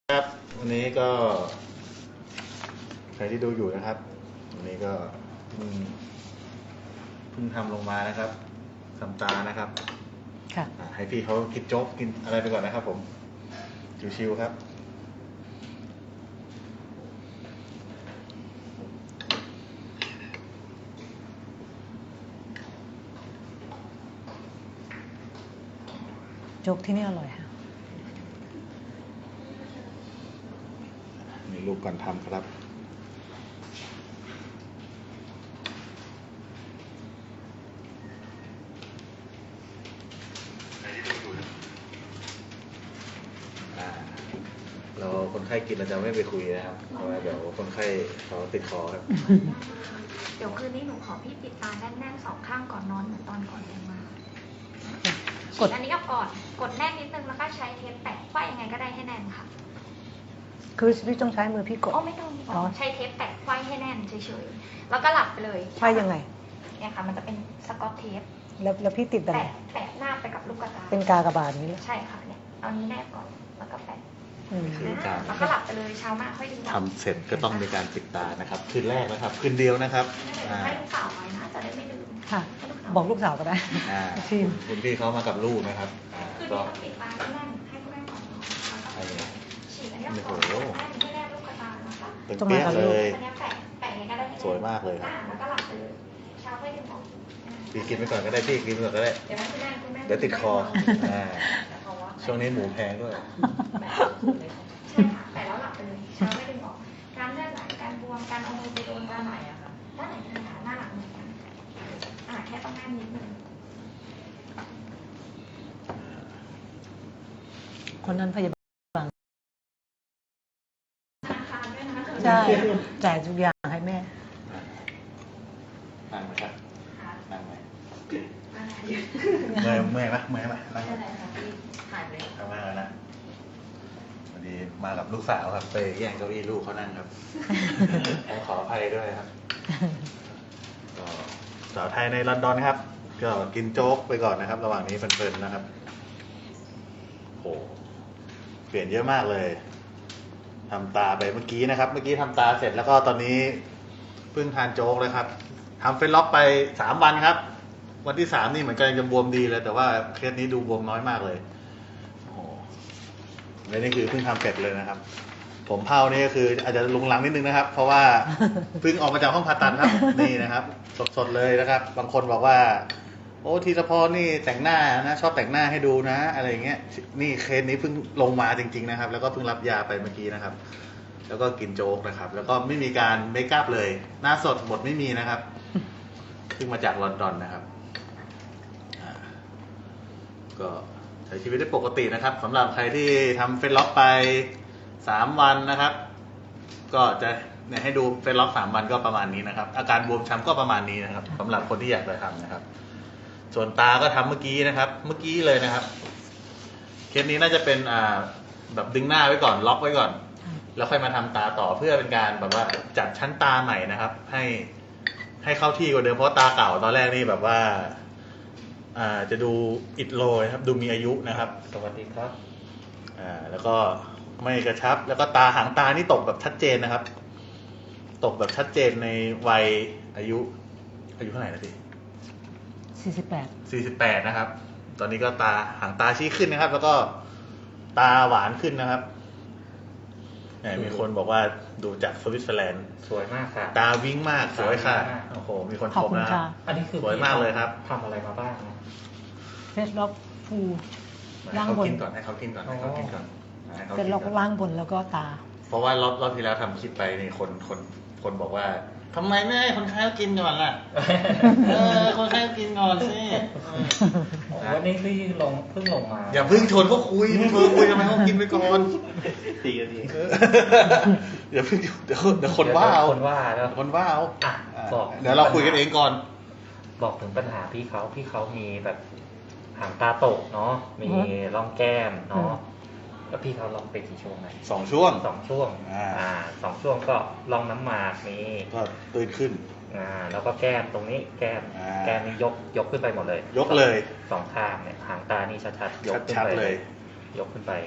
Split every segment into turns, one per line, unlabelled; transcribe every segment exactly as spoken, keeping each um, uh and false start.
ครับวันนี้ก็ใครที่ดูอยู่นะครับวันนี้ก็เพิ่งเพิ่งทำลงมานะครับทำตานะครับค่ะให้พี่เขากินโจ๊กกินอะไรไปก่อนนะครับผมชิวๆครับ
โจ๊กที่นี่อร่อยค่ะ
มีลูกก่อนทำครับเราคนไข้กินเราจะไม่ไปคุยนะครับเพราะว่าเดี๋ยวคนไข้เขาติดคอครับ
เดี๋ยวคืนนี้หนูขอพี่ปิดตาแน่นๆสองข้างก่อนนอนเหมือนตอนก่อนลงมากดอันนี้ก็ก่อนกดแน่นนิดนึงแล้วก็ใช้เทปแปะไขว้ยังไงก็ได้ให้แน่นค่ะ
คือพี่ต้องใช้มือพี่กด
อ๋อไม่ต้องไม่ต้องใช้เทปแปะไขว้ให้แน่นเฉยๆแล้วก็หลับไปเลย
ไขว้ยังไง
เนี่ยค่ะมันจะเป็นสกอตเทป
แล้วแล้วพี่ติดอะไร
แปะแปะหน้าไปกับลูกกระตา
เป็นกากบาทนี้เลย
ใช่ค่ะเนี่ยเอานี้แนบก่อนแล้วก็แปะ
คือการ
แล้วก็หลับไปเลยเช้ามาค่อยดึง
ทำเสร็จก็ต้องมีการปิดตานะครับคืนแรกนะครับคืนเดียวนะครับ
ให้ลูกสาวไว้นะจะได้ไม่ลืม
ค่ะบอกลูกสาวก็ได้
ทีมคุณพี่เขามากับลูกนะครับ
ก็ปิดตาให้แน่นให้แน่นก่อนฉีดอันนี้ก่อนให้แนบลูกกระตานะคะ
เป็นเปี้ยเลยสวยมากเลยครับ
แล้วก็หลับไปเลยเช้าค่อยดึงออก
พี่กินไปก่อนก็ได้พี่กินไปก่อนก็ได้
เดี๋ยวคุณแม่คุณแม่
เดี๋ยวติดคอช่วงนี้หมูแพงด้วย
ใช่ค่ะแต่แล้วหลับไปเลยเช้าไม่ดึงออกการเลือดไหลการบวมการเอามือไปโดนด้านไหนอะค่ะด้านไหนคือหาหน้าหลังเหมือนกันอ่าแค่ต้องแน่นนิดนึง
คนนั้นพยาบาล
ธนาคารด้วยนะ
ใช่จ่ายทุกอย่างให้แม่
นั่งไหมครับนั่งไหมเมื่อยเมื่อยไหมเมื่อยไหมนั่งทำงานแล้วนะวันนี้มากับลูกสาวครับไปแย่งเก้าอี้ลูกเขานั่งครับต้องขออภัยด้วยครับก็สาวไทยในลอนดอนครับก็กินโจ๊กไปก่อนนะครับระหว่างนี้เพลินๆนะครับโอ้เปลี่ยนเยอะมากเลยทำตาไปเมื่อกี้นะครับเมื่อกี้ทำตาเสร็จแล้วก็ตอนนี้เพิ่งทานโจ๊กเลยครับทำเฟซล็อกไปสามวันครับวันที่สามนี่เหมือนกันจะบวมดีเลยแต่ว่าเคสนี้ดูบวมน้อยมากเลยโอ้โหและนี่คือเพิ่งทำเสร็จเลยนะครับผมเผานี่ก็คืออาจจะลุงลังนิดนึงนะครับเพราะว่าเพิ่งออกมาจากห้องผ่าตัดครับนี่นะครับสดๆเลยนะครับบางคนบอกว่าโอ้ทีละพอนี่แต่งหน้านะชอบแต่งหน้าให้ดูนะอะไรอย่างเงี้ยนี่เคสนี้เพิ่งลงมาจริงๆนะครับแล้วก็เพิ่งรับยาไปเมื่อกี้นะครับแล้วก็กินโจ๊กนะครับแล้วก็ไม่มีการเมคอัพเลยหน้าสดหมดไม่มีนะครับเพิ่งมาจากลอนดอนนะครับก็ใช้ชีวิตได้ปกตินะครับสำหรับใครที่ทำเฟซล็อกไปสามวันนะครับก็จะเนี่ยให้ดูเฟซล็อกสามวันก็ประมาณนี้นะครับอาการบวมช้ำก็ประมาณนี้นะครับสำหรับคนที่อยากจะทำนะครับส่วนตาก็ทำเมื่อกี้นะครับเมื่อกี้เลยนะครับเคสนี้น่าจะเป็นอ่าแบบดึงหน้าไว้ก่อนล็อกไว้ก่อนแล้วค่อยมาทำตาต่อเพื่อเป็นการแบบว่าจัดชั้นตาใหม่นะครับให้ให้เข้าที่กว่าเดิมเพราะตาเก่าตอนแรกนี่แบบว่าอ่าจะดูอิดโรยครับดูมีอายุนะครับ
สวัสดีครับ
อ่าแล้วก็ไม่กระชับแล้วก็ตาหางตานี่ตกแบบชัดเจนนะครับตกแบบชัดเจนในวัยอายุอายุเท่าไหร่นะพี่
สี่สิบแปด
สี่สิบแปดนะครับตอนนี้ก็ตาหางตาชี้ขึ้นนะครับ แล้วก็ตาหวานขึ้นนะครับมีคนบอกว่าดูจากสวิตเซอร์แลนด์
สวยมากค่ะ
ตาวิ่งมากสวยค่ะโอ้โหมีคนชมนะ
อันนี้คือ
สวยมากเลยครับ
ทำอะไรมาบ้าง
เฟซล็อกฟู
ล่างบนก่อนให้เขากินก่อนให้เขากินก่อน
เฟซล็อกล่างบนแล้วก็ตา
เพราะว่ารอบรอบที่แล้วทำคลิปไปนี่คนคนคนบอกว่าทำไมไม่ให้คนไข้กินก่อนล่ะเออคนไข้กินก่อนสิ
วันนี้พี่ลงเพิ่งลงมา
อย่าเพิ่งชวนเขาคุยเพิ่งคุยทำไมเขากินไปก่อน
ตีกันที
อย่าเพิ่งเดี๋ยวเดี๋ยวคนว่าเอา
คนว่าแล้ว
คนว่าเอา
บอก
เดี๋ยวเราคุยกันเองก่อน
บอกถึงปัญหาพี่เขาพี่เขามีแบบหางตาตกเนาะมีร่องแก้มเนาะแล้วพี่เขาลองไปกี่ช่วงไหน
สองช่วง
สองช่วงอ่าสองช่วงก็ลองน้ำหมากมี
ก็ตื่นขึ้น
อ่าแล้วก็แก้มตรงนี้แก้มแก้มนี่ยกยกขึ้นไปหมดเลย
ยกเลย
สองข้างเนี่ยหางตานี่ชัดๆยกขึ้นไปเลยยกขึ้นไป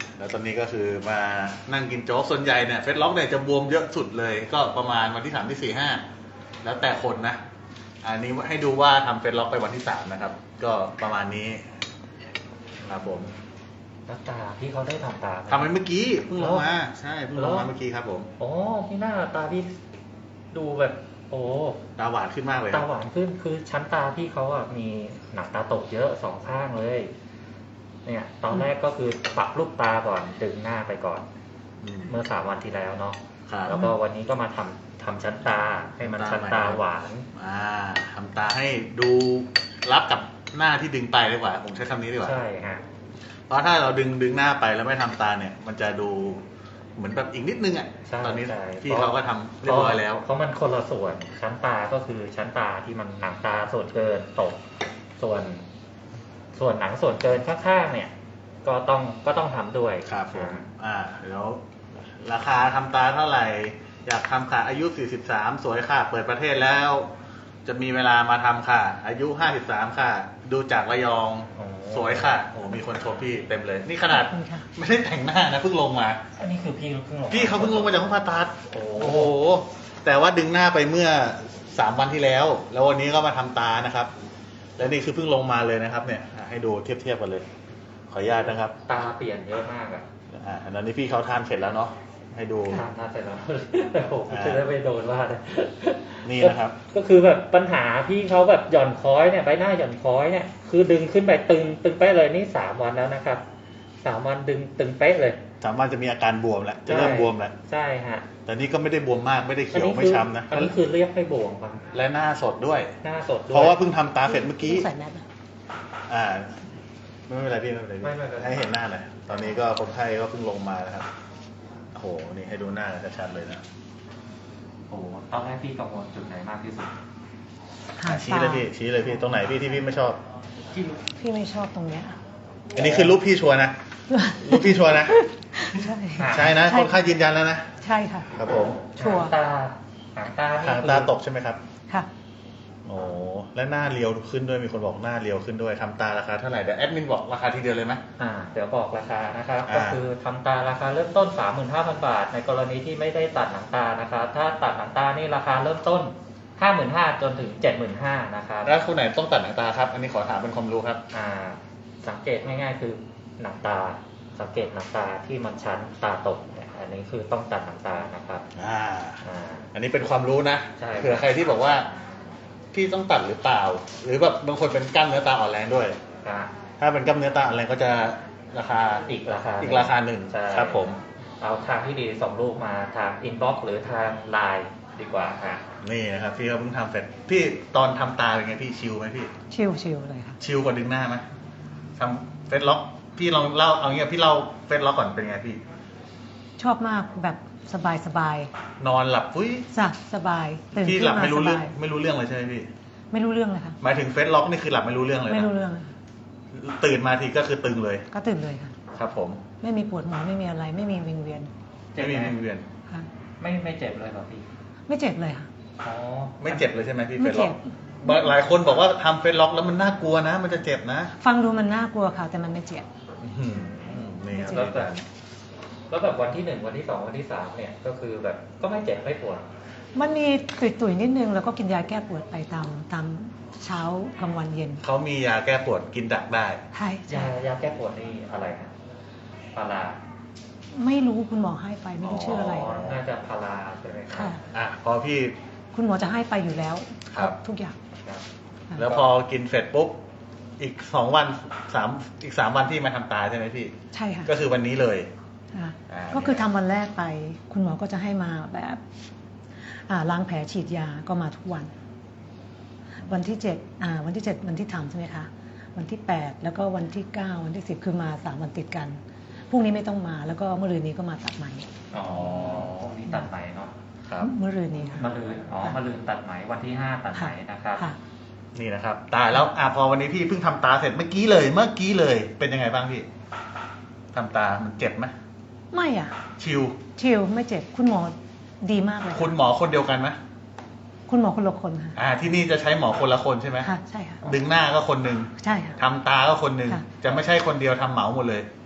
แล้วตอนนี้ก็คือมานั่งกินโจ๊กส่วนใหญ่เนี่ยเฟสล็อกเนี่ยจะบวมเยอะสุดเลย ก็ประมาณวันที่สามที่สี่ห้าแล้วแต่คนนะ อันนี้ให้ดูว่าทำเฟสล็อกไปวันที่สามนะครับ ก็ประมาณนี้ครับผม
แล้วตาพี่เขาได้ทำตาไหม
ทำไปเมื่อกี้เพิ่งลงมาใช่เพิ่งลงมาเมื่อกี้ครับผม
อ๋อพี่หน้าตาพี่ดูแบบ โอ้
ตาหวานขึ้นมากเลยค
ตา
รับ
หวานขึ้นคือชั้นตาพี่เขาอ่ะมีหนังตาตกเยอะสองข้างเลย เนี่ย ตอนแรกก็คือปรับรูปตาก่อนดึงหน้าไปก่อน
อืม
เมื่อสามวันที่แล้วเนาะ
ครับ
แล้วก็วันนี้ก็มาทำทำชั้นตาให้มันชั้นตาหวาน
อ่าทำตาให้ดูรับกับหน้าที่ดึงไปดีกว่าผมใช้คำนี้ดีกว่า
ใช่ฮะ
เพราะถ้าเราดึงดึงหน้าไปแล้วไม่ทำตาเนี่ย มันจะดูเหมือนแบบอีกนิดนึงอ่ะ
ใช่
ตอนนี้
ใช่
พี่เขาก็ทำเรียบร้อยแล้ว
เพราะมันคนละส่วนชั้นตาก็คือชั้นตาที่มันหนังตาส่วนเกินตก ส่วน ส่วนหนังส่วนเกินข้างๆเนี่ย ก็ต้องก็ต้องทำด้วย
ครับผม
อ่า
อ่าเดี๋ยวราคาทำตาเท่าไหร่ อยากทำค่ะอายุสี่สิบสามสวยค่ะ เปิดประเทศแล้ว จะมีเวลามาทำค่ะ อายุห้าสิบสามค่ะ ดูจากระยอง
อ๋อ
สวยค่ะโอ้มีคนชมพี่เต็มเลย นี่ขนาด
ขอบคุณค่ะ
ไม่ได้แต่งหน้านะเพิ่งลงมา
อันนี้คือพี่เพิ่งลง
พี่เขาเพิ่งลงมาจากห้องผ่าตัด
โอ้
โอ้โห แต่ว่าดึงหน้าไปเมื่อสามวันที่แล้ว แล้ววันนี้ก็มาทำตานะครับ และนี่คือเพิ่งลงมาเลยนะครับ เนี่ยอ่ะให้ดูเทียบเทียบกันเลย ขออนุญาตนะครับ
ตาเปลี่ยนเยอะมากอะ
อ่าอันนั้นนี่พี่เขาทานเสร็จแล้วเนาะ ให้ดู
ทำหน้าเสร็จแล้ว โอ้โหจะได้ไม่โดนว่าเลย
นี่นะครับ
ก็คือแบบปัญหาพี่เขาแบบหย่อนค้อยเนี่ยใบหน้าหย่อนค้อยเนี่ยคือดึงขึ้นไปตึงตึงเป๊ะเลยนี่สามวันแล้วนะครับสามวันดึงตึงเป๊ะเลย
สามวันจะมีอาการบวมแล้ว จะเริ่มบวมแล้ว
ใช่ฮะ
แต่นี่ก็ไม่ได้บวมมาก ไม่ได้เขียวไม่ช้ำนะ
อันนี้คือเรียกให้บวมครับ
และหน้าสดด้วย
หน้าสดด้วย
เพราะว่าเพิ่งทำตาเสร็จเมื่อกี้
ใส่แมสนะ
อ่า ไม่เป็นไรพี่ไม่เป็นไรพี่
ไม่ไม่เป็นไร
ให้เห็นหน้าหน่อยตอนนี้ก็คนไข้ก็เพิ่งลงมานะครับโอ้โหนี่ให้ดูหน้าชัดๆเลยนะ
โอ้โหตอนแรกพี่กังวลจุดไหนมากที่สุด
หาง
ชี้
ตา
เลยพี่ชี้เลยพี่ตรงไหนพี่ที่พี่ไม่ชอบ
ที่รู้
พี่ไม่ชอบตรงเนี้ย
อันนี้คือรูปพี่ชัวร์นะรูปพี่ชัวร์นะ
ใช่
ใช่นะ
ใช่
คนไข้ยืนยันแล้วนะ
ใช่ค่ะ
ครับผม
ชัวร์
หางตาหางตานี่
หางตาตกใช่ไหมครับ
ค่ะ
โอ้และหน้าเรียวขึ้นด้วยมีคนบอกหน้าเรียวขึ้นด้วยทำตาราคาเท่าไหร่เดี๋ยวแอดมินบอกราคาทีเดียวเลยไหม
อ่าเดี๋ยวบอกราคานะครับ
อ่า
ก็คือทำตาราคาเริ่มต้น สามหมื่นห้าพัน บาท ในกรณีที่ไม่ได้ตัดหนังตานะครับถ้าตัดหนังตานี่ราคาเริ่มต้น ห้าหมื่นห้าพัน จนถึง เจ็ดหมื่นห้าพัน นะครับ
แล้วคนไหนต้องตัดหนังตาครับ อันนี้ขอถามเป็นความรู้ครับ
อ่าสังเกตง่ายๆคือหนังตาสังเกตหนังตาที่มันชั้นตาตกเนี่ยอันนี้คือต้องตัดหนังตานะครับ
อ่า
อ่า
อันนี้เป็นความรู้นะ
ใช่
เผื่อใครที่บอกว่าพี่ต้องตัดหรือเปล่า หรือแบบบางคนเป็นกล้ามเนื้อตาอ่อนแรงด้วย
อ่า
ถ้าเป็นกล้ามเนื้อตาอ่อนแรงก็จะราคา
อีกราคา
อีกราคาหนึ่ง
ใช่
ครับผม
เอาทางที่ดีส่งรูปมาทางอินบ็อกซ์หรือทางไลน์ดีกว่าฮะ
นี่นะครับพี่เขาเพิ่งทำเสร็จพี่ตอนทำตาเป็นไงพี่ชิลไหมพี่
ชิวชิวเลยค่ะ
ชิลกว่าดึงหน้าไหมทำเฟซล็อกพี่ลองเล่าเอางี้พี่เล่าเฟซล็อกก่อนเป็นไงพี่
ชอบมากแบบสบายสบาย
นอนหลับอุ้ย
จ้ะสบายตื่น
พี่
ขึ้
หลั
น
บ
มา
ไม่
ส
รู้เรื่อง
บาย
ไม่รู้เรื่องเลยใช่ไหมพี่
ไม่รู้เรื่องเลยค่ะ
หมายถึงเฟซล็อกนี่คือหลับไม่รู้เรื่องเลย
ไม่
นะ
รู้เรื่องเลย
ตื่นมาทีก็คือตึงเลย
ก็ตื่นเลยค่ะ
ครับผม
ไม่มีปวดหัวไม่มีอะไร ไม่มีวิงเวียน
ไม่มีวิงเวียน
ค่ะ
ไม่ไม่เจ็บเลยเหรอพี่
ไม่เจ็บเลยค่ะ
อ๋อ
ไม่เจ็บเลยใช่ไหมพี่
ไม่
เฟซล็
เจ็
อบ กหลายคนบอกว่าทำเฟซล็อกแล้วมันน่ากลัวนะ มันจะเจ็บนะ
ฟังดูมันน่ากลัวค่ะ แต่มันไม่เจ็บ
อื้อหือนี่ครับ
แล้วแบบแล้วแบบวันที่หนึ่งวันที่สองวันที่สามเนี่ยก็คือแบบก็ไม่เจ็บไม่ปวด
มันมีตุยๆนิดนึงแล้วก็กินยาแก้ปวดไปตามตามเช้ากลางวันเย็น
เขามียาแก้ปวดกินดักได้
ใช่
ยา
ใช่
ยาแก้ปวดนี่อะไรครับพารา
ไม่รู้คุณหมอให้ไปไม่รู้ชื่ออะไร
น่าจะพาราใช่ไหมครั
ค่ะ
อ่ะพอพี่
คุณหมอจะให้ไปอยู่แล้ว
ครับ
ทุกอย่าง
ครับ
ค่ะ
แล้วพอกินเสร็จปุ๊บอีกสองวันสามอีกสามวันที่มาทำตาใช่ไหมพี่
ใช่ค่ะ
ก็คือวันนี้เลย
ค่ะ
อ่า
ก็คือทำวันแรกไป คุณหมอก็จะให้มาแบบอ่าล้างแผลฉีดยาก็มาทุกวัน วันที่เจ็ดอ่าวันที่เจ็ดวันที่ทำใช่ไหมคะวันที่แปดแล้วก็วันที่เก้าวันที่สิบคือมาสามวันติดกันพรุ่งนี้ไม่ต้องมาแล้วก็เมื่อรืนนี้ก็มาตัดไหม
อ๋อพวกนี้ตัดไหมเนาะ
ครับ
เมื่อรืนนี้ค่ะ
มะรืนอ๋อมะรืนตัดไหมวันที่ห้าตัดไหมนะครับ
ค่ะ
นี่นะครับ ตาแล้วอ่ะพอวันนี้พี่เพิ่งทำตาเสร็จเมื่อกี้เลยเมื่อกี้เลยเป็นยังไงบ้างพี่ทำตามันเจ็บไหม
ไม่อ่ะ
ชิล
ชิลไม่เจ็บคุณหมอดีมากเลย
คุณหมอคนเดียวกันไหม
คุณหมอคนละคนค่ะ
อ่า ที่นี่จะใช้หมอคนละคนใช่ไหม
ค่ะใช่ค่ะ
ดึงหน้าก็คนหนึ่ง
ใช่ค่ะ
ทำตาก็คนหนึ่ง
ค่ะ
จะไม่ใช่คนเดียวทำเหมาหมดเลย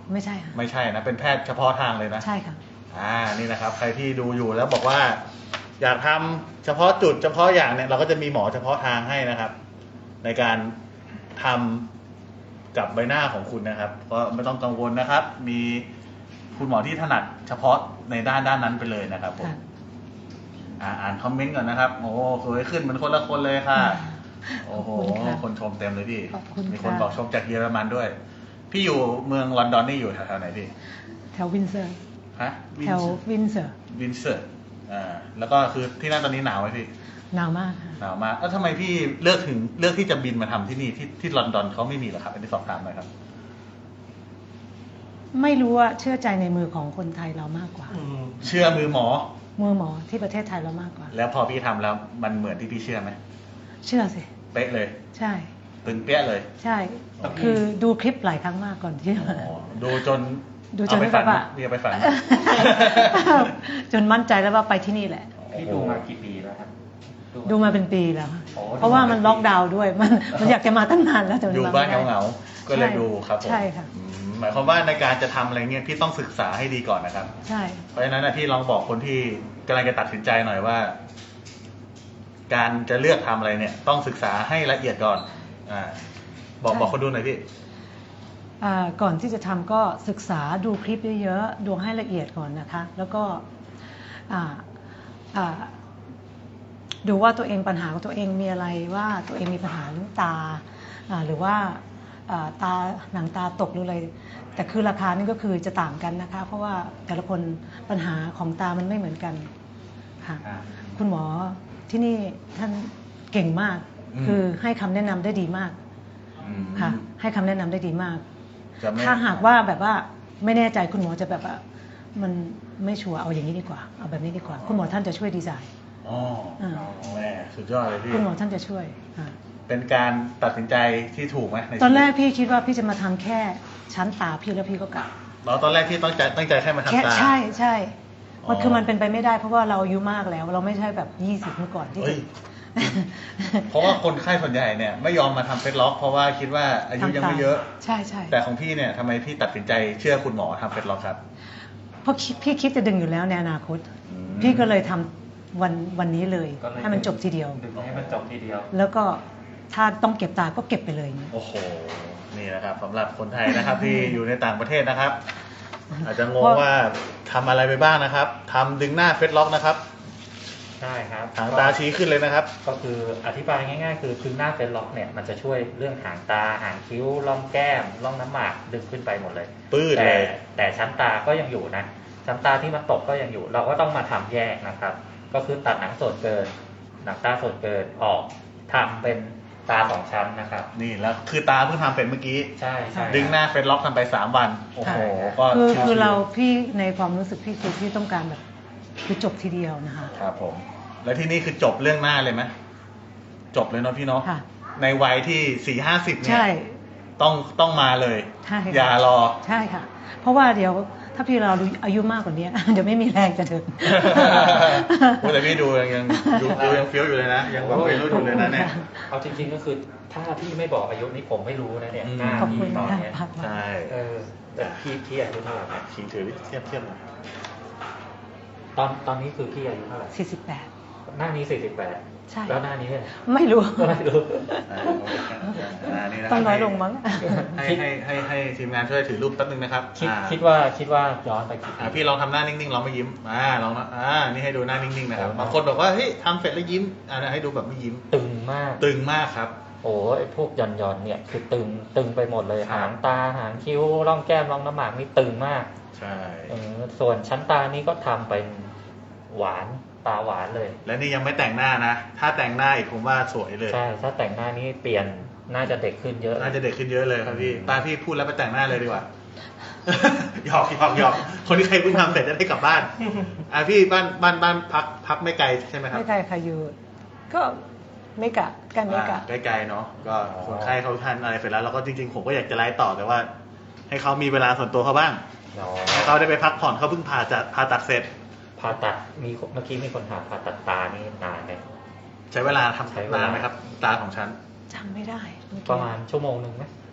ไม่ใช่ค่ะ
ไม่ใช่นะเป็นแพทย์เฉพาะทางเลยนะ
ใช่ค่ะ
อ่านี่นะครับใครที่ดูอยู่แล้วบอกว่าอยากทำเฉพาะจุดเฉพาะอย่างเนี่ยเราก็จะมีหมอเฉพาะทางให้นะครับ ในการทำกับใบหน้าของคุณนะครับก็ไม่ต้องกังวลนะครับ มีคุณหมอที่ถนัดเฉพาะในด้านด้านนั้นไปเลยนะครับผม
ค่ะ
อ่าอ่านคอมเมนต์ก่อนนะครับโอ้สวยขึ้นเหมือนคนละคนเลยค่ะ โอ้โห
ขอบคุณค่ะ
คนชมเต็มเลยพี่
ขอบคุณ
มีคน
ค่ะ
บอกชมจากเยอรมันด้วย พี่อยู่เมืองลอนดอนนี่อยู่แถวๆไหนพี่
แถววินเซอร์
ฮะ
แถววินเซอร์
วินเซอร์อ่าแล้วก็คือที่นั่นตอนนี้หนาวไหมพี่
หนาวมากค่ะ
หนาวมากแล้วทำไมพี่เลือกถึงเลือกที่จะบินมาทำที่นี่ที่ที่ลอนดอนเขาไม่มีเหรอครับอันนี้สอบถามหน่อยครับ
ไม่รู้ว่าเชื่อใจในมือของคนไทยเรามากกว่า
เชื่อมือหมอ
มือหมอที่ประเทศไทยเรามากกว่า
แล้วพอพี่ทำแล้วมันเหมือนที่พี่เชื่อไหม
เชื่อสิ
เป๊ะเลย
ใช่
ตึงเปี้ยเลย
ใช่
โอเค
คือดูคลิปหลายครั้งมากก่อนที่จะ
อ๋
มา
อดูจน
ดูจน
เอาไปฝัน
แบบว่า
นี่เอาไปฝัน
จนมั่นใจแล้วว่าไปที่นี่แหละ
พี่ดูมากี่ปีแล้วครับ
ดูมาเป็นปีแล้วค่ะ
โอ้
เพราะว่ามันล็อกดาวน์ด้วย มันมันอยากจะมาตั้งนานแล้วแต่มั
อยู่
ม
บ้าน
ไม่ได้
เหงาๆก็เลยดูครับผม
ใช่ค่ะ
อืมหมายความว่าในการจะทำอะไรเงี้ยพี่ต้องศึกษาให้ดีก่อนนะครับ
ใช่
เพราะฉะนั้นนะพี่ลองบอกคนที่กำลังจะตัดสินใจหน่อยว่า การจะเลือกทำอะไรเนี่ย ต้องศึกษาให้ละเอียดก่อนอ่าบอกบอกคนดูหน่อยพี่
อ่าก่อนที่จะทำก็ศึกษาดูคลิปเยอะๆดูให้ละเอียดก่อนนะคะ แล้วก็อ่าอ่าดูว่าตัวเองปัญหาของตัวเองมีอะไรว่าตัวเองมีปัญหาเรื่องตาอ่าหรือว่าอ่าตาหนังตาตกหรืออะไรแต่คือราคานี่ก็คือจะต่างกันนะคะ เพราะว่าแต่ละคนปัญหาของตามันไม่เหมือนกันค่ะ
ครับ
คุณหมอที่นี่ท่านเก่งมาก
อืม
คือให้คำแนะนำได้ดีมาก
อืม
ค่ะ ให้คำแนะนำได้ดีมาก
จะไม่
ถ้าหากว่าแบบว่าไม่แน่ใจคุณหมอจะแบบว่ามันไม่ชัวร์เอาอย่างนี้ดีกว่าเอาแบบนี้ดีกว่า คุณหมอท่านจะช่วยดีไซน์
อ๋อ
อ่า
แม่สุดยอดเลยพี่
คุณหมอท่านจะช่วยอ่า
เป็นการตัดสินใจที่ถูกไหมในชีวิ
ตอนแรกพี่คิดว่าพี่จะมาทำแค่ชั้นตาพี่แล้วพี่ก็กลับ
เราตอนแรกพี่ต้องใจตั้งใจแค่มา
แค่
ทำตา
ใช่ใช่
อ๋อ
มันคือมันเป็นไปไม่ได้เพราะว่าเราอายุมากแล้ว เราไม่ใช่แบบยี่สิบเมื่อก่อนที่
เฮ้
จะ
ย เพราะว่าคนไข้ส่วนใหญ่เนี่ยไม่ยอมมาทำเฟซล็อก เพราะว่าคิดว่าอายุยังไม่เยอะ
ใช่ใช่
แต่ของพี่เนี่ยทำไมพี่ตัดสินใจเชื่อคุณหมอทำเฟซล็อกครับ
เพราะคิดพี่คิดจะดึงอยู่แล้วในอนาคต
อืม
พี่ก็เลยทำวันวันนี้เลย
ก็เลย
ให้มันจบทีเดียว
ดึงให้มันจบทีเดียว
แล้วก็ถ้าต้องเก็บตาก็เก็บไปเลยอย่างเงี้ย
โอ้โห นี่นะครับสำหรับคนไทยนะครับ ที่อยู่ในต่างประเทศนะครับ อาจจะงงว่าทำอะไรไปบ้างนะครับทำดึงหน้าเฟซล็อกนะครับ
ใช่ครับ
หางตาชี้ขึ้นเลยนะครับ
ก็คืออธิบายง่ายๆ คือดึงหน้าเฟซล็อกเนี่ยมันจะช่วยเรื่องหางตาหางคิ้วร่องแก้มร่องน้ำหมากดึงขึ้นไปหมดเลย
ปื้ด
แต่
เลย
แต่ชั้นตาก็ยังอยู่นะชั้นตาที่มันตกก็ยังอยู่ เราก็ต้องมาทำแยกนะครับ ก็คือตัดหนังส่วนเกิน หนังตาส่วนเกินออกทำเป็นตาสองชั้นนะครับ
นี่แล้วคือตาเพิ่งทำเป็นเมื่อกี้
ใช่ใช่
ดึงหน้าเฟซล็อกทำไปสามวัน โอ้โห ก็
คือ
ชิวๆ
คือเราพี่ในความรู้สึกพี่คือพี่ต้องการแบบคือจบทีเดียวนะคะ
ครับผม แล้วที่นี่คือจบเรื่องหน้าเลยไหมจบเลยเนาะพี่เนาะ
ค่ะ
ในวัยที่สี่ห้าสิบเนี่ย
ใช่
ต้องต้องมาเลย
ใช่ค่ะ
อย่ารอ
ใช่ค่ะ เพราะว่าเดี๋ยวถ้าพี่เราอายุมากกว่านี้ เดี๋ยวไม่มีแรงจะเดิน
โอ้แต่พี่ดูยังยังดูดูยังเฟี้ยวอยู่เลยนะ ยังแบบวัยรุ่นอยู่เลยนะเนี่ย
เอาจริงๆก็คือถ้าพี่ไม่บอกอายุนี่ผมไม่รู้นะเนี่ย
อืม
หน้า
ขอบคุ
พี่
ณ
ตอน
ค่ะ
เนี้ย
ใช่
เออแต่พี่พี่อายุเท่าไหร่นะ
ชิงถือเทียบเทียบหน่อย
ตอนตอนนี้คือพี่อายุเท่าไหร่
สี่สิบแปด
หน้านี้สี่สิบแปด
ใช่
แล้วหน้านี้เนี่ย
ไม่รู้
ไม่รู้
อ่าอ่านี่นะครับ
ต้องน้อยลงมั้ง
ให้ให้ให้ให้ทีมงานช่วยถือรูปแป๊บนึงนะครับ
คิด
อ่า
คิดว่าคิดว่าย้อนไปกี่ปี
อ่าพี่ลองทำหน้านิ่งๆลองไม่ยิ้มอ่าลองนะอ่านี่ให้ดูหน้านิ่งๆนะครับบางคนบอกว่าเฮ้ยทำเสร็จแล้วยิ้มอ่าให้ดูแบบไม่ยิ้ม
ตึงมาก
ตึงมากครับ
โอ้ไอพวกหย่อนหย่อนๆเนี่ยคือตึงตึงไปหมดเลย
ครับ
หางตาหางคิ้วร่องแก้มร่องน้ำหมากนี่ตึงมาก
ใช่
เออส่วนชั้นตานี่ก็ทำเป็นหวานตาหวานเลย
และนี่ยังไม่แต่งหน้านะ ถ้าแต่งหน้าอีกผมว่าสวยเลย
ใช่ถ้าแต่งหน้านี้เปลี่ยนน่าจะเด็กขึ้นเยอะ
น่าจะเด็กขึ้นเยอะเลยครับพี่ป้าพี่พูดแล้วไปแต่งหน้าเลยดีกว่า หยอกหยอกหยอกคนที่ใครเพิ่งทำเสร็จจะได้กลับบ้านอ่าพี่บ้านบ้านบ้านพักพักไม่ไกลใช่ไหมครับ
ไม่ไกลค่ะอยู่ก็ไม่กะกันไม่กะ
อ่าใกล้ๆเนาะก็คนไข้เขาทานอะไรเสร็จแล้วเราก็จริงๆผมก็อยากจะไลฟ์ต่อแต่ว่า ให้เขามีเวลาส่วนตัวเขาบ้าง
อ๋อ
ให้เขาได้ไปพักผ่อนเขาเพิ่งผ่าจัดผ่าตัดเสร็จ
ผ่าตัดมีเมื่อกี้มีคนถามผ่าตัดตานี่นานไหม
ใช้เวลาทำ
ใช้เวลาน
านไหมครับ ตาของฉัน
จำไม่ได้เอกี้
ประมาณชั่วโมงหนึ่งไหม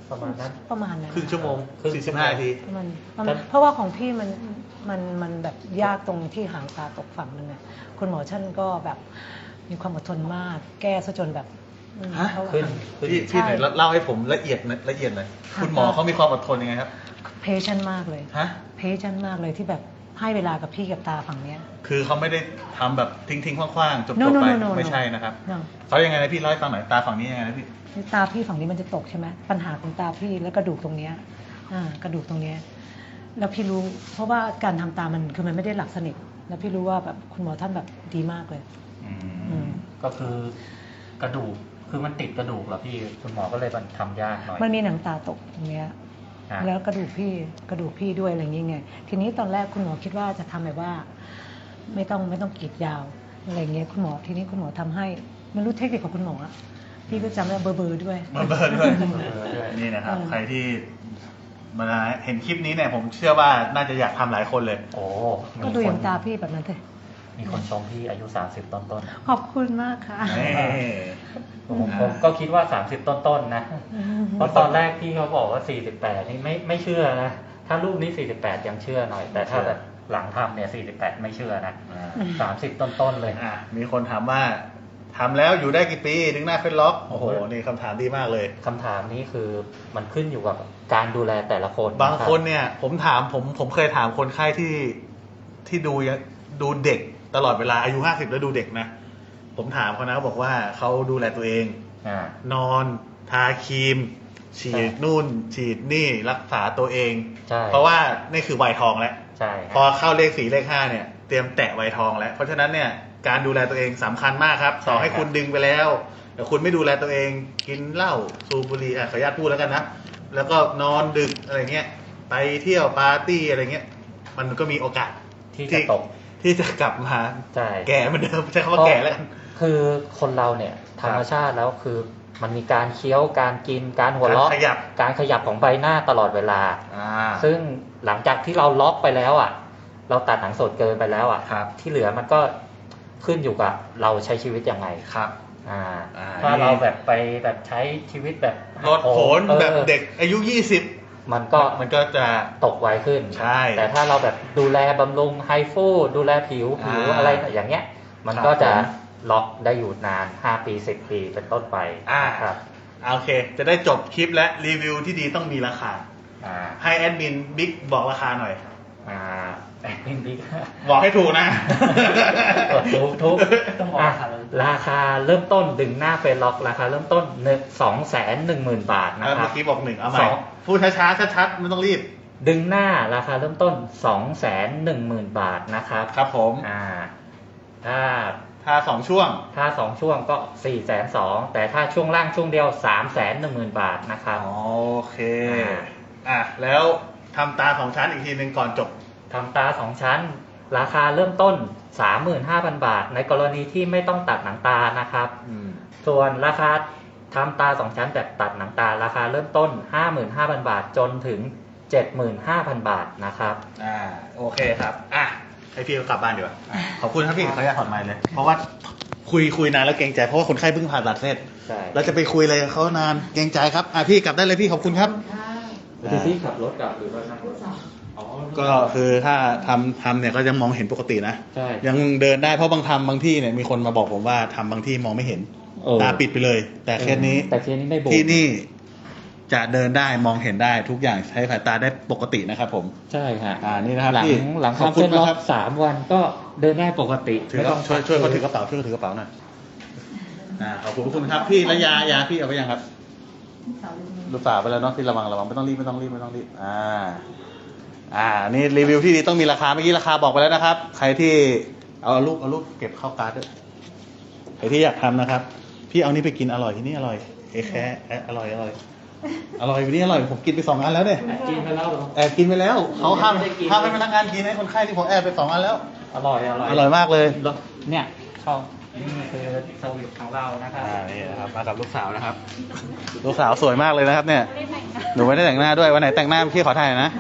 ประมาณนั้น
ประมาณนั้น
ครึ่งชั่วโมง
ครึ่ง
สี่สิบห้านาที
ประมาณประมาณเพราะว่าของพี่มันมันมันแบบยากตรงที่หางตาตกฝั่งนึงไงคุณหมอท่านก็แบบมีความอดทนมาก แก้ซะจนแบบอืม
ฮะ
เขา
ขึ้นขึ้น
พี่พี่หน่อยเล่าให้ผมละเอียดหน่อยละเอียดหน่อยคุณหมอเขามีความอดทนยังไงครับ
เพชันมากเลย
ฮะ
เพชันมากเลยที่แบบให้เวลากับพี่กับตาฝั่งเนี้ย
คือเขาไม่ได้ทำแบบทิ้งทิ้งๆคว้างๆจบ
No,
จบ
no,
ไป
no, no, no.
ไม่ใช่นะครับ
เนาะ
เขายังไงนะพี่เล่าให้ฟังหน่อยตาฝั่งนี้ยังไงนะพี่
ตาพี่ฝั่งนี้มันจะตกใช่ไหมปัญหาของตาพี่แล้วกระดูกตรงเนี้ยอ่ากระดูกตรงเนี้ยแล้วพี่รู้เพราะว่าการทำตามันคือมันไม่ได้หลับสนิทแล้วพี่รู้ว่าแบบคุณหมอท่านแบบดีมากเลย อืม
ก็คือกระดูกคือมันติดกระดูกเหรอพี่คุณหมอก็เลยมันทำยากหน่อย
มันมีหนังตาตกตรงเนี้ย
อ่ะ
แล้วกระดูกพี่กระดูกพี่ด้วยอะไรอย่างเงี้ยทีนี้ตอนแรกคุณหมอคิดว่าจะทำแบบว่า ไม่ต้องไม่ต้องกรีดยาวอะไรเงี้ยคุณหมอทีนี้คุณหมอทำให้ไม่รู้เทคนิคของคุณหมออะพี่ก็จำได้เบอร์เบอร์ด้วย
เบอร์เบอร์ด้วย
เออด้วย
นี่นะครับ
เออ
ใครที่มาเห็นคลิปนี้เนี่ยผมเชื่อว่าน่าจะอยากทำหลายคนเลย
โอ้
ก็ดูอย่างตาพี่แบบนั้นเลย
มีคนชมพี่อายุสามสิบต้นต้น
ขอบคุณมากค่ะ
นี่
ๆผมผมก็คิดว่าสามสิบต้นต้นๆนะเพราะตอนแรกพี่เขาบอกว่าสี่สิบแปดนี่ไม่ไม่เชื่อนะถ้ารูปนี้สี่สิบแปดยังเชื่อหน่อย แต่ถ้าแบบหลังทำเนี่ยสี่สิบแปดไม่เชื่อนะ
อ่า
สามสิบต้นต้นๆเลย
อ่ะมีคนถามว่าทำแล้วอยู่ได้กี่ปีดึงหน้าเฟซล็อกโอ้โหนี่คำถามดีมากเลย
คำถามนี้คือมันขึ้นอยู่กับการดูแลแต่ละคน
บางคน
รับ
เนี่ย ผมถามผมผมเคยถามคนไข้ที่ที่ดูยังดูเด็กตลอดเวลาอายุห้าสิบแล้วดูเด็กนะ ผมถามเขานะบอกว่าเขาดูแลตัวเอง
อ่าน
อนทาครีม ฉี
ใช่
ดนู่น ฉีดนี่รักษาตัวเอง
ใช่
เพราะว่านี่คือวัยทองแล้ว
ใช่
พอเข้าเลขสี่เลขห้าเนี่ยเตรียมแตะวัยทองแล้ว เพราะฉะนั้นเนี่ยการดูแลตัวเองสำคัญมากครับต่อให้คุณดึงไปแล้วแต่คุณไม่ดูแลตัวเองกินเหล้าสูบบุหรี่อ่ะขออนุญาตพูดแล้วกันนะแล้วก็นอนดึกอะไรเงี้ยไปเที่ยวปาร์ตี้อะไรเงี้ยมันก็มีโอกาส
ที่จะตก
ที่จะกลับมา
ใช่
แก่เหมือนเดิมใช้คำว่าแก่แล้วกัน
คือคนเราเนี่ยธรรมชาติแล้วคือมันมีการเคี้ยวการกินการหัวเราะ
การขยับ
การขยับของใบหน้าตลอดเวลา
อ่า
ซึ่งหลังจากที่เราล็อกไปแล้วอ่ะ เราตัดหนังสดเกินไปแล้วอ่ะ
ครับ
ที่เหลือมันก็ขึ้นอยู่กับเราใช้ชีวิตยังไง
ครับ
อ่า
อ่า
ถ้า
นี่
เราแบบไปแบบใช้ชีวิตแบบ
ลดผล
ออ
แบบเด็กอายุยี่สิบ
มันก็
มันก็จะ
ตกไวขึ้น
ใช่
แต่ถ้าเราแบบดูแลบำรุงไฮฟูดูแลผิวผิว
อ่า
อะไรอย่างเงี้ย มัน
ครับ
ก็จะ
ผม
ล็อกได้อยู่นานห้าปีสิบปีเป็นต้นไป
อ่า
ครับ
โอเค จะได้จบคลิปและรีวิวที่ดีต้องมีราคา
อ่า
ให้แอดมินบิ๊กบอกราคาหน่อย
อ่าแอดมินบิ๊ก
บอกให้ถูกนะ
ทุกทุก
ต้องบอก
อ่ะ
ราคาเลย
ราคาเริ่มต้นดึงหน้าเฟซล็อกราคาเริ่มต้นหนึ่งสองแสนหนึ่งหมื่นบาทนะ
เออ
ครั
เมื่
บ
อกี้บอกหนึ่งเอาใหม่
สอง
พูดช้าๆชัดๆไม่ต้องรีบ
ดึงหน้าราคาเริ่มต้นสองแสนหนึ่งหมื่นบาทนะครับ
ครับผม
อ่า ถ้า
ถ้าสองช่วง
ถ้าสองช่วงก็สี่แสนสองแต่ถ้าช่วงล่างช่วงเดียวสามแสนหนึ่งหมื่นบาทนะครับ
โอเค
อ่า
อ่ะ แล้วทำตาสองชั้นอีกทีหนึ่งก่อนจบ
ทำตาสองชั้น ราคาเริ่มต้น สามหมื่นห้าพัน บาท ในกรณีที่ไม่ต้องตัดหนังตานะครับ
อืม
ส่วนราคาทำตาสองชั้นแบบตัดหนังตา ราคาเริ่มต้น ห้าหมื่นห้าพัน บาท จนถึง เจ็ดหมื่นห้าพัน บาทนะครับ
อ่า โอเคครับ อ่ะ ให้พี่กลับบ้านดีกว่า ขอบคุณครับพี่ขออนุญาตถอดไมค์เลย เพราะว่าคุยคุยนานแล้วเกรงใจ เพราะว่าคนไข้เพิ่งผ่าตัดเสร็จ
ใช่
เราจะไปคุยอะไรกับเขานาน เกรงใจครับ อ่ะพี่กลับได้เลยพี่ขอบคุณครับ
พี่พี่ขับรถกลับหรือว่านั่งรถอ๋อ
ก็คือถ้าทำทำเนี่ยก็ยังมองเห็นปกตินะ
ใช่
ยังเดินได้เพราะบางทำบางที่เนี่ยมีคนมาบอกผมว่าทำบางที่มองไม่เห็น
เออ
ตาปิดไปเลย แต่เคสนี้
แต่เคสนี้ไม่โบก
ที่นี่จะเดินได้มองเห็นได้ทุกอย่างใช้สายตาได้ปกตินะครับผม
ใช่ค่ะ
อ่านี่นะครับ
หลัง
พี่
หลัง
ขอบ
ทำ
คุ
เส้
ณ
นล็อ
นะครั
ก
บ
สามวันก็เดินได้ปกติ
ถือว่าช่วยช่วยเขาถือกระเป๋าช่วยเขาถือกระเป๋าหน่อยอ่าขอบคุณทุกคนครับพี่และยายาพี่เอาไปยังครับลูกสาวไปแล้วเนาะพี่ระวังระวังไม่ต้องรีบไม่ต้องรีบไม่ต้องรีบอ่า อ่านี่รีวิวที่ดีต้องมีราคาเมื่อกี้ราคาบอกไปแล้วนะครับ ใครที่เอารูปเอารูปเก็บเข้าการ์ดด้วยใครที่อยากทำนะครับ พี่เอานี่ไปกินอร่อยที่นี่อร่อยเอแค่อร่อยอร่อยอร่อยวันนี้อร่อยผมกินไปสองอันแล้วเนี่ย
กินไปแล้วเหรอ
แอบกินไปแล้วเขาห้าม
ไม่ได้กิน
ห้ามให้พนักงานกินให้คนไข้ที่ผมแอบไปสองอันแล้ว
อร่อยอร่อย
อร่อยมากเลย
เนี่ยชอบนี่คือสวิตของเรานะครับ
อ่านี่นะครับมากับลูกสาวนะครับ ลูกสาวสวยมากเลยนะครับ เนี่ย
ไม่ได้แต่งหน้า
หนูไม่ได้แต่งหน้าด้วยวันไหนแต่งหน้าพี่ขอถ่ายหน่อยนะ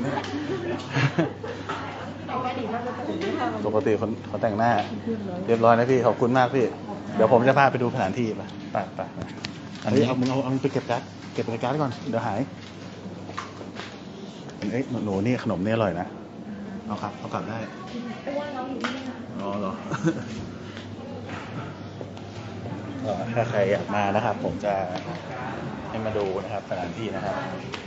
ปกติคนเขาแต่งหน้า เรียบร้อยนะพี่ขอบคุณมากพี่ เดี๋ยวผมจะพาไปดูสถานที่ไปไปไปอันนี้เอามึงเอาเอามึงไปเก็บกั๊กเก็บรายการไว้ก่อนเดี๋ยวหายเอ้ยหนูนี่ขนมนี่อร่อยนะเอาครับเอากลับได้ไม่ว่าน้องอยู่นี่นะอ๋อเหรอ ถ้าใครอยากมานะครับ ผมจะให้มาดูนะครับสถานที่นะครับ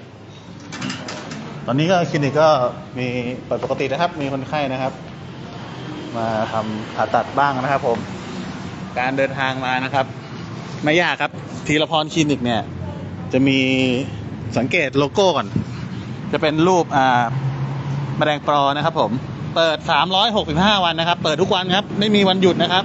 ตอนนี้ก็คลินิกก็มีเปิดปกตินะครับ มีคนไข้นะครับ มาทำผ่าตัดบ้างนะครับ ผมการเดินทางมานะครับ ไม่ยากครับธีรพรคลินิกเนี่ย จะมีสังเกตโลโก้ก่อน จะเป็นรูปอ่าแมลงปอนะครับ ผมเปิดสามร้อยหกสิบห้าวันนะครับ เปิดทุกวันครับ ไม่มีวันหยุดนะครับ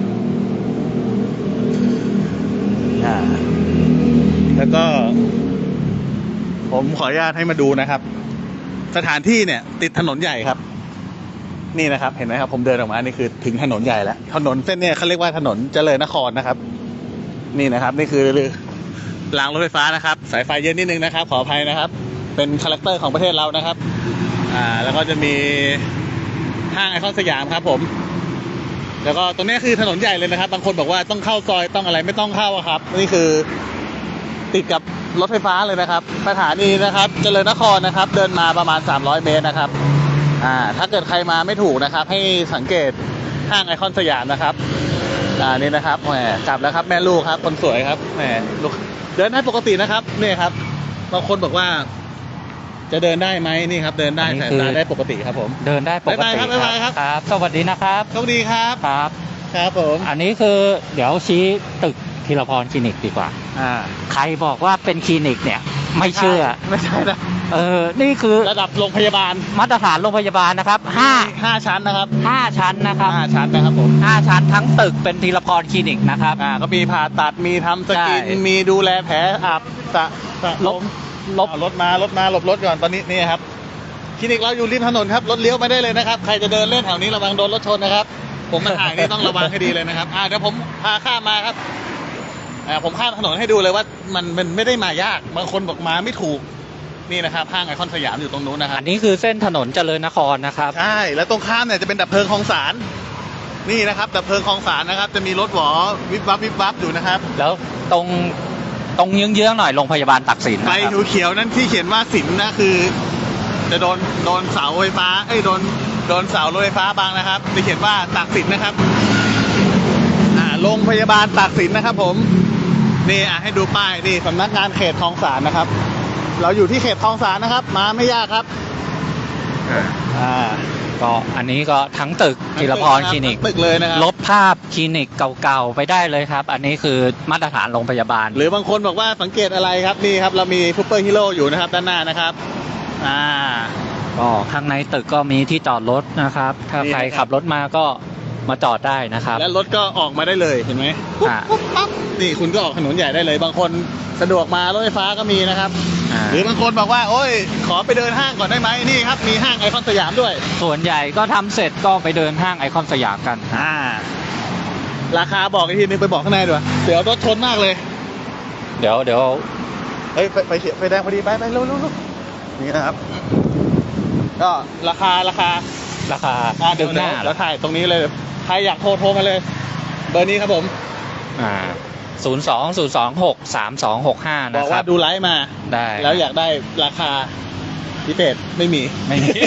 อ่าแล้วก็ ผมขออนุญาตให้มาดูนะครับ สถานที่เนี่ย ติดถนนใหญ่ครับ นี่นะครับ เห็นไหมครับ ผมเดินออกมานี่คือถึงถนนใหญ่แล้วถนนเส้นเนี้ยเขาเรียกว่าถนนเจริญนครนะครับ นี่นะครับ นี่คือรางรถไฟฟ้านะครับ สายไฟเยอะนิดนึงนะครับ ขออภัยนะครับ เป็นคาแรคเตอร์ของประเทศเรานะครับ อ่า แล้วก็จะมีห้างไอคอนสยามครับ ผม แล้วก็ตรงนี้คือถนนใหญ่เลยนะครับ บางคนบอกว่าต้องเข้าซอยต้องอะไรไม่ต้องเข้าครับนี่คือติดกับรถไฟฟ้าเลยนะครับสถานีนะครับเจริญนครนะครับ เดินมาประมาณสามร้อยเมตรนะครับอ่าถ้าเกิดใครมาไม่ถูกนะครับ ให้สังเกตห้างไอคอนสยามนะครับอ่านี่นะครับแหมกลับแล้วครับแม่ลูกครับคนสวยครับแหมลูกเดินได้ปกตินะครับนี่ครับบางคนบอกว่าจะเดินได้ไหมนี่ครับเดินได้สายตาได้ปกติครับผม
เดินได้ปกติ
บ๊ายบายครับบ๊ายบายครับ
ครับ สวัสดีนะครับ
สวัสดีครับ
ครับ
ครับผม
อันนี้คือเดี๋ยวชี้ตึกธีรพรคลินิกดีกว่า
อ่า
ใครบอกว่าเป็นคลินิกเนี่ย ไม่เชื่อ
ไม่ใช่นะ
เออ นี่คือ
ระดับโรงพยาบาล
มาตรฐานโรงพยาบาลนะครับห้า
ห้าชั้นนะครับ
ห้าชั้นนะครับ
ห้าชั้นนะครับผม
ห้าชั้นทั้งตึกเป็นธีรพรคลินิกนะครับ
อ่าก็มีผ่าตัดมีทำสกิน
ใช่
มีดูแลแผลอาบสะสะ
ลบลบ
อ่ารถมารถมาหลบรถก่อนตอนนี้นี่ครับคลินิกเราอยู่ริมถนนครับรถเลี้ยวไม่ได้เลยนะครับใครจะเดินเล่นแถวนี้ระวังโดนรถชนนะครับ ผมมาถ่ายนี่ต้องระวังให้ดีเลยนะครับอ่าเดี๋ยวผมพาข้ามมาครับอ่าผมข้ามถนนให้ดูเลยว่ามันมันไม่ได้มายากบางคนบอกมาไม่ถูกนี่นะครับห้างไอคอนสยามอยู่ตรงนู้นนะครับ
อันนี้คือเส้นถนนเจริญนครนะครับ
ใช่แล้วตรงข้ามเนี่ยจะเป็นดับเพลิงคลองสารนี่นะครับดับเพลิงคลองสารนะครับ จะมีรถหวอวิบวับวิบวับอยู่นะครับ
แล้วตรงตรงเยื้องๆหน่อยโรงพยาบาลตักสิน
ไฟ
นะครับ
เขียวๆนั่นที่เขียนว่าสินนะคือ จะโดนโดนเสาไฟฟ้าเอ้ยโดนโดนเสารถไฟฟ้าบังนะครับจะเขียนว่าตากสินนะครับอ่าโรงพยาบาลตากสินนะครับ ผมนี่อ่ะให้ดูป้ายนี่สำนักงานเขตคลองสารนะครับ เราอยู่ที่เขตคลองสารนะครับ มาไม่ยากครับอ่า
ก็อันนี้ก็ทั้งตึกธีรพรคลินิก
ตึกเลยนะครับ
ลบภาพคลินิกเก่าๆไปได้เลยครับ อันนี้คือมาตรฐานโรงพยาบาล
หรือบางคนบอกว่าสังเกตอะไรครับนี่ครับ เรามีซูเปอร์ฮีโร่อยู่นะครับด้านหน้านะครับอ่า
ก็ข้างในตึกก็มีที่จอดรถนะครับ ถ้า
นี่
ใคร
นะครับ
ขับรถมาก็มาจอดได้นะครับ
และรถก็ออกมาได้เลยเห็นไหมปุ๊บ
อ่า
ปุ๊บปั๊บนี่คุณก็ออกถนนใหญ่ได้เลย บางคนสะดวกมารถไฟฟ้าก็มีนะครับ
อ่า
หรือบางคนบอกว่าโอ้ยขอไปเดินห้างก่อนได้ไหมนี่ครับมีห้างไอคอนสยามด้วย
ส่วนใหญ่ก็ทำเสร็จก็ไปเดินห้างไอคอนสยามกัน
อ่าราคาบอกอีกทีนึงไปบอกข้างในด้วยเดี๋ยวรถชนมากเลย
เดี๋ยวเดี๋ยว
เฮ้ยไฟไฟเขียวไฟแดงพอดีไปไปเร็วเร็วเร็วนี่นะครับ ก็ราคาราคา
ราคา
อ่า
ดึงหน้า
เดี๋ยวถ่ายตรงนี้เลยใครอยากโทรโทรมาเลย เบอร์นี้ครับผม
อ่าศูนย์สองศูนย์สองหกสามสองหกห้า
บ
นะ
อก
ค
ว่า
รับ
ดูไลฟ์มา
ได้
แล้วอยากได้ราคาพิเศษไม่มี
ไม่มี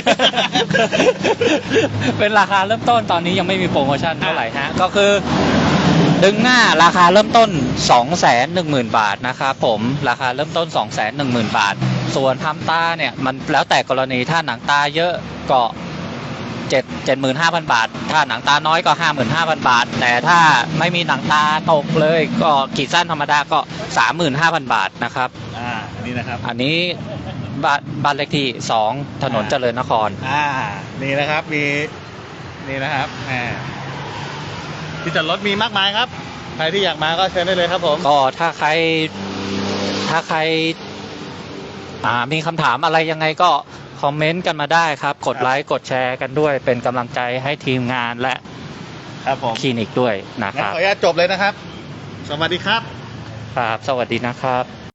เป็นราคาเริ่มต้นตอนนี้ยังไม่มีโปรโมชั่นเท่าไหร่ฮะ ก็คือ ดึงหน้าราคาเริ่มต้น สองแสนหนึ่งหมื่น บาทนะครับผมราคาเริ่มต้น สองแสนหนึ่งหมื่น บาท ส่วนทำตาเนี่ยมันแล้วแต่กรณีถ้าหนังตาเยอะก็เจ็ดเจ็ดหมื่นห้าพันบาท ถ้าหนังตาน้อยก็ห้าหมื่นห้าพันบาท แต่ถ้าไม่มีหนังตาตกเลยก็ขีดสั้นธรรมดาก็สามหมื่นห้าพันบาทนะครับ
อ่านี่นะครับ
อันนี้บ้านบ้านเลขที่สองถนนเจริญนคร
อ่านี่นะครับมีนี่นะครับแหมที่จอดรถมีมากมายครับใครที่อยากมาก็เชิญได้เลยครับผม
ก็ถ้าใครถ้าใครอ่ามีคำถามอะไรยังไงก็คอมเมนต์กันมาได้ครับ กดไลค์กดแชร์กันด้วยเป็นกำลังใจให้ทีมงานและ
ครับผม
คลินิกด้วยนะค
งั้น
รับ
ขออนุญาตจบเลยนะครับ สวัสดีครับ
ครับสวัสดีนะครับ